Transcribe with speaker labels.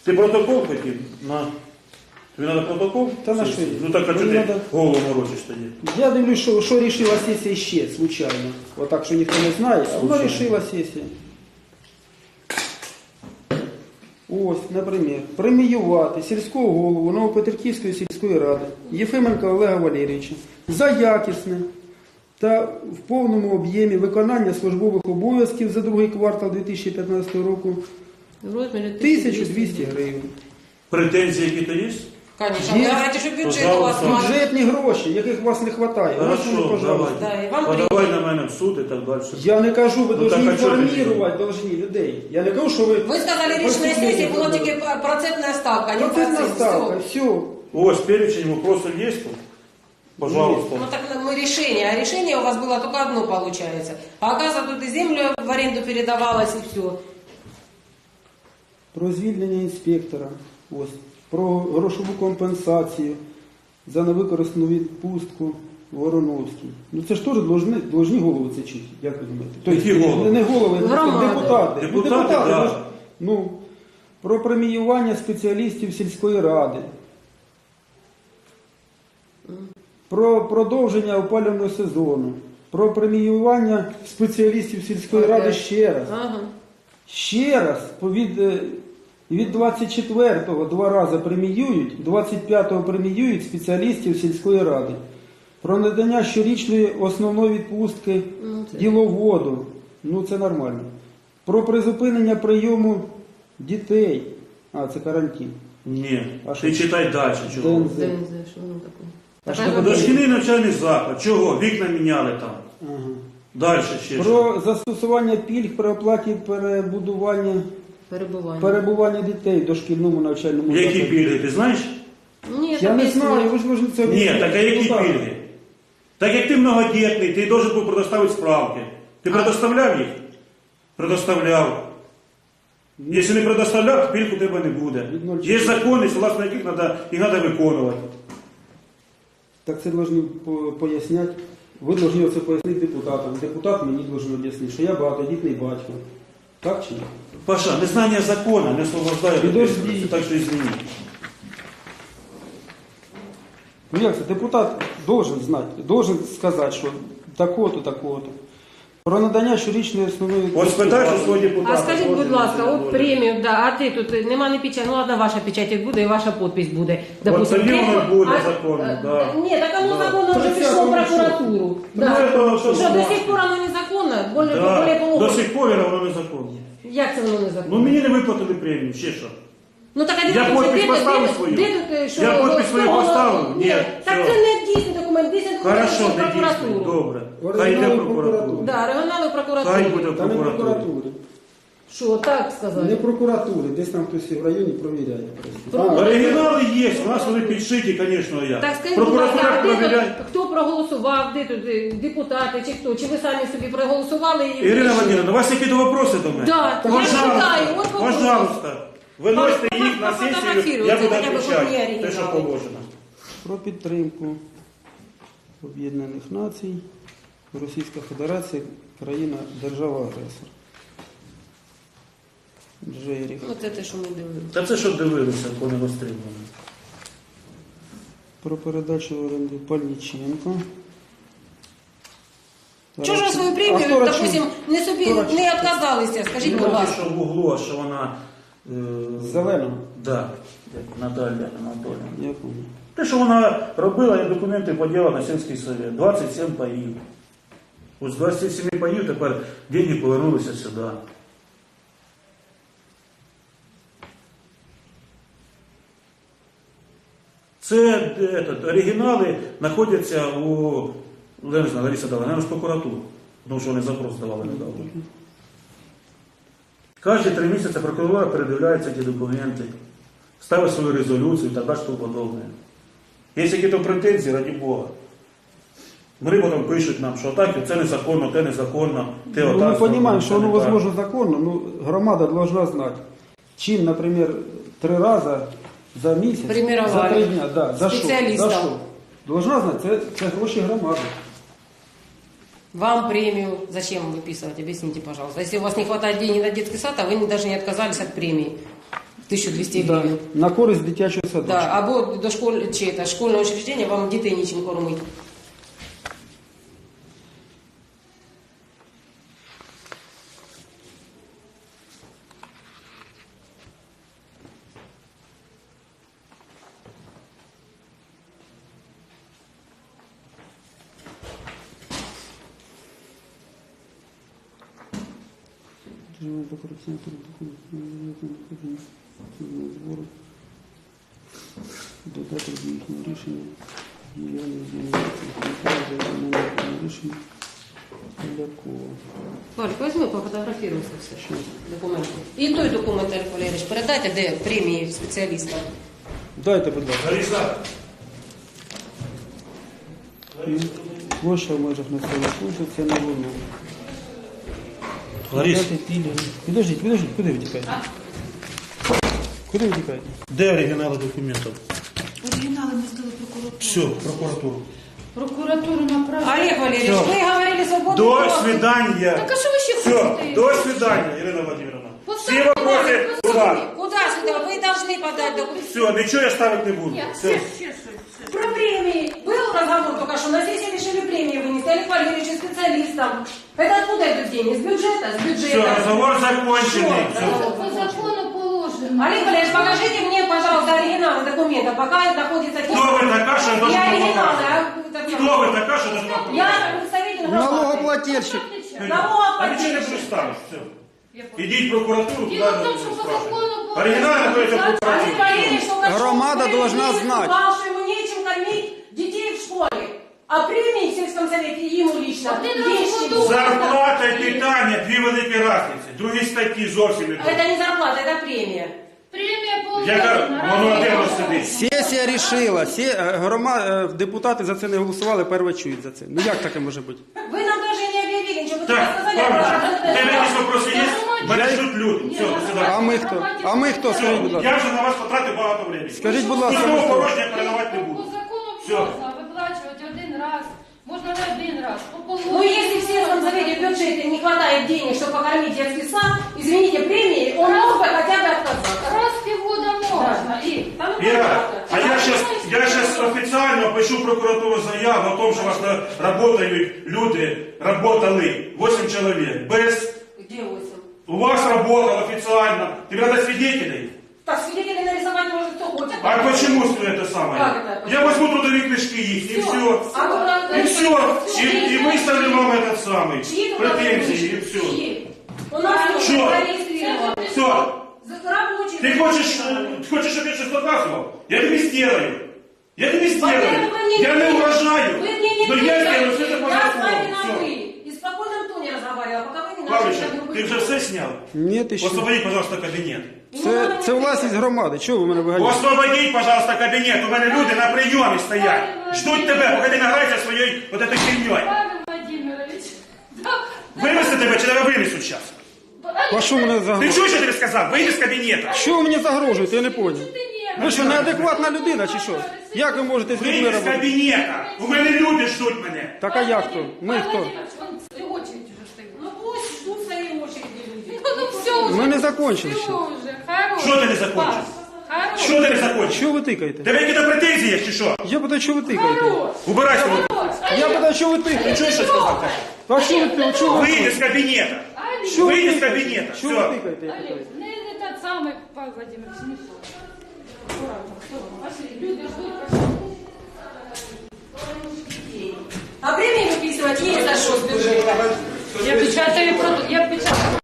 Speaker 1: Ти протокол хотів? На. Тобі треба протокол?
Speaker 2: Та на що?
Speaker 1: Ну так, а чого ти голову морочиш тоді?
Speaker 2: Я дивлюсь, що рішила сесія ще, случайно. Отак, що ніхто не знає, а воно рішила сесія. Ось, наприклад, преміювати сільського голову Новопетриківської сільської ради Єфименка Олега Валерійовича за якісне та в повному об'ємі виконання службових обов'язків за другий квартал 2015 року
Speaker 3: В розмірі
Speaker 2: 1200 гривень.
Speaker 1: Претензії які-то є?
Speaker 3: Конечно. Вы говорите, что бюджет у вас мало.
Speaker 2: Бюджетні гроші, яких у вас не вистачає. Ось вони,
Speaker 1: Хорошо,
Speaker 2: пожалуйста.
Speaker 1: давай.
Speaker 3: Да, и вам
Speaker 1: Подавай на мене в суд і так далі.
Speaker 2: Я не кажу, ви
Speaker 1: Ну,
Speaker 2: повинні
Speaker 1: так, а чого ти
Speaker 2: інформувати должні людей. Я не кажу, що ви...
Speaker 3: Вы сказали, речная сессия была только процентная ставка, а не
Speaker 2: Процентна
Speaker 3: процент.
Speaker 2: ставка,
Speaker 3: Всё.
Speaker 2: все.
Speaker 1: Ось перечень вопросов є тут? Пожалуйста.
Speaker 3: Ну так мы решение, а решение у вас было только одно получается. А оказывается, тут и землю в аренду передавалось, и все.
Speaker 2: Про звільнення інспектора, ось, про грошову компенсацію за невикористану відпустку Вороновський. Ну це ж теж должні голови це чути, як ви думаєте?
Speaker 1: Які голови?
Speaker 2: Не голови,
Speaker 3: Громади.
Speaker 2: депутати.
Speaker 1: Депутати, да.
Speaker 2: Ну, про преміювання спеціалістів сільської ради. Про продовження опалювального сезону. Про преміювання спеціалістів сільської ради ще раз.
Speaker 3: Ага.
Speaker 2: Ще раз, від 24-го 2 рази преміюють, 25-го преміюють спеціалістів сільської ради. Про надання щорічної основної відпустки діловоду. Ну це нормально. Про призупинення прийому дітей. А, це карантин.
Speaker 1: Ні.
Speaker 2: А
Speaker 1: Ти
Speaker 2: що?
Speaker 1: читай далі. Чого?
Speaker 2: ДНЗ.
Speaker 3: ДНЗ, что оно такое?
Speaker 2: А
Speaker 3: Такая
Speaker 2: что
Speaker 3: же-
Speaker 1: Дошкільний навчальний заклад. Чого? Вікна міняли там.
Speaker 2: Ага.
Speaker 1: Далі ще що?
Speaker 2: Про застосування пільг при оплаті перебування дітей в дошкільному навчальному
Speaker 1: Які
Speaker 2: закладі.
Speaker 1: пільги, ти знаєш?
Speaker 3: Нет,
Speaker 2: Я не
Speaker 3: объясни.
Speaker 2: знаю, ви ж можете це
Speaker 1: Ні,
Speaker 2: об'яснити.
Speaker 1: так а які
Speaker 2: Ну, так.
Speaker 1: пільги? Так як ти многодітний, ти должен був предоставити справки. Ти предоставляв їх? Предоставляв. Якщо не предоставляв, пільг у тебе не буде. Є закони, согласно яких їх треба виконувати.
Speaker 2: Так це повинні поясняти. Ви повинні це пояснити депутатам. Депутат мені повинен об'яснити, що я багатодітний батько. Так чи ні?
Speaker 1: Паша, незнання закону не освобождає від
Speaker 2: Підожди.
Speaker 1: відповідальності, так що извини.
Speaker 2: Ну як це? Депутат должен знати, должен сказати, що такого-то, такого-то. Про надання щорічної основної
Speaker 1: Ось
Speaker 2: відпустки.
Speaker 1: спитай, що свого депутата.
Speaker 3: А скажіть, будь
Speaker 1: кожен
Speaker 3: ласка,
Speaker 1: місяць
Speaker 3: от
Speaker 1: буде.
Speaker 3: премію, да, а ти тут нема не печать, ну ладно, ваша печать буде і ваша підпись буде.
Speaker 1: тоді воно
Speaker 3: Премію-
Speaker 1: буде
Speaker 3: а,
Speaker 1: законно, да.
Speaker 3: Ні, так оно
Speaker 1: Да.
Speaker 3: законно вже пішло в прокуратуру.
Speaker 1: Ну, это
Speaker 3: Що
Speaker 1: що
Speaker 3: до
Speaker 1: значить?
Speaker 3: сих пор воно незаконно, более
Speaker 1: Да.
Speaker 3: половини.
Speaker 1: До сих пор воно незаконно.
Speaker 3: Як це воно
Speaker 1: Ну
Speaker 3: незаконно?
Speaker 1: мені не виплатили премію, ще що?
Speaker 3: Ну так а
Speaker 1: Я
Speaker 3: де тут-
Speaker 1: підпис
Speaker 3: де тут-
Speaker 1: поставив
Speaker 3: де тут-
Speaker 1: свою.
Speaker 3: Де тут, що
Speaker 1: Я
Speaker 3: воно-
Speaker 1: підпис свою
Speaker 3: що воно-
Speaker 1: поставив? Ні,
Speaker 3: Так
Speaker 1: все.
Speaker 3: це не дійсний документ, дійсний документ
Speaker 1: Хорошо,
Speaker 3: в
Speaker 1: не дійсно,
Speaker 3: прокуратуру.
Speaker 1: добре.
Speaker 2: Оригінал
Speaker 1: Хай йде в
Speaker 2: прокуратури.
Speaker 1: прокуратуру.
Speaker 3: Да, регіонали в прокуратурі.
Speaker 1: Хай буде в
Speaker 2: Та не
Speaker 1: прокуратурі.
Speaker 2: прокуратури.
Speaker 3: Що, так
Speaker 2: Не
Speaker 3: сказати?
Speaker 2: прокуратури, десь там хтось в районі провіряє.
Speaker 1: Оригінали є, у нас вони підшиті, звісно, як.
Speaker 3: Так скажіть, будь ласка,
Speaker 1: Прокуратура
Speaker 3: а де
Speaker 1: провіряє.
Speaker 3: тут, хто проголосував, де тут депутати чи хто? Чи ви самі собі проголосували? І
Speaker 1: Ірина Владимировна, у вас які-то вопроси до мене?
Speaker 3: Да, я читаю, от вопрос.
Speaker 1: Пожалуйста. Виносьте їх на сесію, я буду
Speaker 3: Фотографируйте, хоча б
Speaker 1: відповідати,
Speaker 3: одні
Speaker 1: те, що
Speaker 3: оригінали.
Speaker 1: положено.
Speaker 2: Про підтримку Об'єднаних Націй, Російська Федерація, країна, держава-агресор. Джеріх.
Speaker 3: Ну це те, що ми дивилися.
Speaker 1: Та це що дивилися, коли не розстрілювали.
Speaker 2: Про передачу в оренду Пальниченко.
Speaker 3: Чого ж ви свою премію,
Speaker 2: хто Рачун?
Speaker 3: допустим, не собі
Speaker 2: Хто Рачун?
Speaker 3: не відказалися, скажіть, будь
Speaker 1: Ну,
Speaker 3: ласка.
Speaker 1: що в углу, а що вона...
Speaker 2: Зелено.
Speaker 1: Да, Наталя Анатоліївна.
Speaker 2: Я пам'ятаю.
Speaker 1: Те, що вона робила, я документи поділа на сільський совет. 27 паїв. Ось з 27 паїв тепер деньги повернулися сюди. Це оригінали знаходяться у я не знаю, Лариса дала, наверное, в прокуратуру, тому що вони запрос давали недавно. Кожні 3 місяці прокуратура передивляється ті документи, ставить свою резолюцію і так далі, тому подобне. Є якісь претензії, раді Бога. Вони потім пишуть нам, що так, це незаконно, те незаконно, те
Speaker 2: Ну,
Speaker 1: отак.
Speaker 2: мы понимаем,
Speaker 1: це
Speaker 2: что оно
Speaker 1: не так.
Speaker 2: возможно законно, но громада должна знать, чем, например, 3 раза за месяц,
Speaker 3: Премировали.
Speaker 2: за 3 дня, да, за що?
Speaker 3: Спеціалістам.
Speaker 2: За що? Должна знать, це гроші громади.
Speaker 3: Вам премию зачем выписывать? Объясните, пожалуйста. Если у вас не хватает денег на детский сад, а вы даже не отказались от премии. 1200
Speaker 2: Да,
Speaker 3: гривень.
Speaker 2: на користь дитячого садочка.
Speaker 3: Да, або до школьного учреждения вам дітей нічим кормить.
Speaker 2: Додати до їхнього рішення рішення Полякова.
Speaker 3: Валь, возьми, пофотографируйся все. Документи. І той документ, Олег Валерійович, передайте, де премії спеціалістам.
Speaker 2: Дайте, будь ласка.
Speaker 1: Лариса.
Speaker 2: Площа в межах населеного пункту, це не воно.
Speaker 1: Ларис,
Speaker 2: Дати пільги. Підождіть, куди ви тікаєте? Куди ви тікаєте?
Speaker 1: де оригінали документів?
Speaker 4: Оригінали ми здали прокуратуру.
Speaker 1: Все, прокуратуру.
Speaker 4: Прокуратуру направили.
Speaker 3: Олег Валерійович,
Speaker 1: Всё.
Speaker 3: ви говорили свободно.
Speaker 1: До свидания.
Speaker 4: Так а що ви ще
Speaker 1: Все,
Speaker 4: хочете?
Speaker 1: до свидания, Ирина Владимировна. Все
Speaker 4: Поставьте
Speaker 1: вопросы
Speaker 4: лайк,
Speaker 1: туда.
Speaker 3: Куда сюда? Ви должны подать документы.
Speaker 1: Все, ничего я ставить не буду.
Speaker 4: Ні,
Speaker 1: Все.
Speaker 4: ще щось.
Speaker 3: Про премии. Был разговор только что. На сессии решили премии вынести. Олег Валерьевич специалистам. Это откуда идут деньги? С бюджета? С бюджета.
Speaker 1: Все, разговор законченный.
Speaker 3: Всё.
Speaker 1: Все.
Speaker 4: По закону положено.
Speaker 3: Олег Валерьевич, покажите мне, пожалуйста, оригиналы документов, пока находится...
Speaker 1: Кто вы такая, что
Speaker 3: Не
Speaker 1: должна
Speaker 3: оригиналы,
Speaker 1: показывать?
Speaker 3: а...
Speaker 1: Кто вы такая, что должна показывать?
Speaker 3: Я представитель
Speaker 2: Налогоплательщик.
Speaker 1: А ничего не
Speaker 3: Налогоплательщик.
Speaker 1: буду ставить. Все. Идите в прокуратуру.
Speaker 4: Дело
Speaker 1: туда
Speaker 4: в том, что по
Speaker 1: спрашивайте.
Speaker 4: закону положено.
Speaker 1: Оригинал находится в
Speaker 3: Олег
Speaker 1: прокуратуре.
Speaker 3: Валерьевич только что
Speaker 2: Громада
Speaker 3: в
Speaker 2: должна
Speaker 3: Кремле
Speaker 2: знать.
Speaker 3: сказал, что ему нечем кормить детей в школе. А премии в сельском совете ему лично.
Speaker 4: Один раз
Speaker 3: есть
Speaker 4: в году.
Speaker 3: ему.
Speaker 1: Зарплата і питання дві великі різниці. Другі статті зовсім не
Speaker 3: Это
Speaker 1: то.
Speaker 3: не зарплата, это премия.
Speaker 4: Премія
Speaker 1: Яка
Speaker 4: положена.
Speaker 1: воно де воно сидить?
Speaker 2: Сесія рішила, депутати за це не голосували, перше чують за це. Ну як таке може бути?
Speaker 3: Вы нам даже не объявили ничего. Вы только
Speaker 1: Так,
Speaker 3: сказали,
Speaker 1: Павлович,
Speaker 3: что-
Speaker 1: у тебе якісь вопроси є? Мене ждуть люди. Все, до
Speaker 2: А
Speaker 1: свидання.
Speaker 2: ми хто? А ми хто? Скажіть, будь ласка.
Speaker 1: Я вже на вас потратив багато времени.
Speaker 2: Скажіть, будь ласка,
Speaker 1: Пустого
Speaker 2: ви хто?
Speaker 1: порожня передавати не
Speaker 4: По
Speaker 1: буду.
Speaker 4: закону
Speaker 1: Все.
Speaker 4: можна виплачувати один раз. Можна не один раз. По положенню.
Speaker 3: Ну, если в сельском совете в бюджете не хватает денег, чтобы покормить детский сад, извините, премии, он мог бы хотя бы отказаться.
Speaker 4: Раз в півгода можна. І
Speaker 3: Там и
Speaker 1: Ира,
Speaker 3: понятно.
Speaker 1: а я сейчас официально пишу в прокуратуру заяву о том, что у вас работают люди, работали 8 человек. Без...
Speaker 3: Где 8?
Speaker 1: У вас работал официально. Тебе надо свидетелей.
Speaker 3: Так, свидетелей нарисовать может кто хочет.
Speaker 1: А почему это самое?
Speaker 3: Как это?
Speaker 1: Я возьму трудовые книжки их, и все.
Speaker 3: А туда-
Speaker 1: И все. И выставлю вам этот самый.
Speaker 3: Чьи тут
Speaker 1: Претензии, и все.
Speaker 3: Чьи? У нас
Speaker 1: Что?
Speaker 3: люди зарегистрированы.
Speaker 1: Все.
Speaker 3: Рабочие.
Speaker 1: Ты хочешь, чтобы я что-то доказывал? Я тебе сделаю. Я тебе сделаю.
Speaker 3: Во-первых, вы мне
Speaker 1: Я не угрожаю.
Speaker 3: Вы мне не
Speaker 1: Но я сделаю
Speaker 3: отвечаете.
Speaker 1: все это по
Speaker 3: Я с вами
Speaker 1: закону.
Speaker 3: на
Speaker 1: Все.
Speaker 3: «вы». И в спокойном тоне разговаривала, пока вы не начали
Speaker 1: Павлович,
Speaker 3: так грубо
Speaker 1: ты уже все снял?
Speaker 2: Ні, ти що?
Speaker 1: Освободи, пожалуйста, кабинет.
Speaker 2: Це власність громади. Чого ви мене виганяєте?
Speaker 1: Освободіть, пожалуйста, кабінет. У мене люди на прийомі стоять. Ждуть тебе, поки ти награєшся своєю вот этой херньою.
Speaker 4: Павел Владимирович. Так.
Speaker 1: Вивезти тебе чи тебе винесуть зараз?
Speaker 2: А що мене
Speaker 1: Ти
Speaker 2: загрожує?
Speaker 1: чуєш, що я тобі сказав? Вийди з кабінету.
Speaker 2: Що ви мені загрожуєте? Я не поняв.
Speaker 4: Ти ні.
Speaker 2: Ви що, неадекватна людина чи що? Як ви можете з людьми
Speaker 1: Вийди з
Speaker 2: робити?
Speaker 1: кабінету. У мене люди ждуть мене.
Speaker 2: Так а як то? Ми
Speaker 4: Павел
Speaker 2: хто?
Speaker 4: Владимирович, он очередь уже стоит.
Speaker 3: Ну пусть ждут своей очереди люди.
Speaker 4: Ну все уже.
Speaker 2: Ми не закончили
Speaker 4: Все
Speaker 2: ще.
Speaker 4: уже. Хорош.
Speaker 1: Що ти не закончив?
Speaker 4: Хорош.
Speaker 1: Що ти не закончив?
Speaker 2: Що ви тикаєте?
Speaker 1: Тебе якісь претензії є чи що?
Speaker 2: Я питаю, що ви тикаєте?
Speaker 4: Хорош.
Speaker 1: Убирайся.
Speaker 4: Хорош.
Speaker 2: Я питаю, що ви
Speaker 1: Ти
Speaker 2: тикаєте?
Speaker 1: чуєш, що сказав?
Speaker 2: А що ви тикаєте? Що ви
Speaker 1: Вийди з кабінету.
Speaker 4: Олег,
Speaker 2: Що ви
Speaker 1: Вийди з
Speaker 2: тикаєте?
Speaker 1: кабінету.
Speaker 2: Що ви
Speaker 1: Все.
Speaker 2: тикаєте? я
Speaker 4: Олег,
Speaker 2: питаю?
Speaker 4: не тот самый Павел Владимирович, не то. Аккуратно, аккуратно. Пошли, люди ждут, пошли.
Speaker 3: А премии выписывать есть за что с бюджета.
Speaker 4: Я печатаю, я печатаю.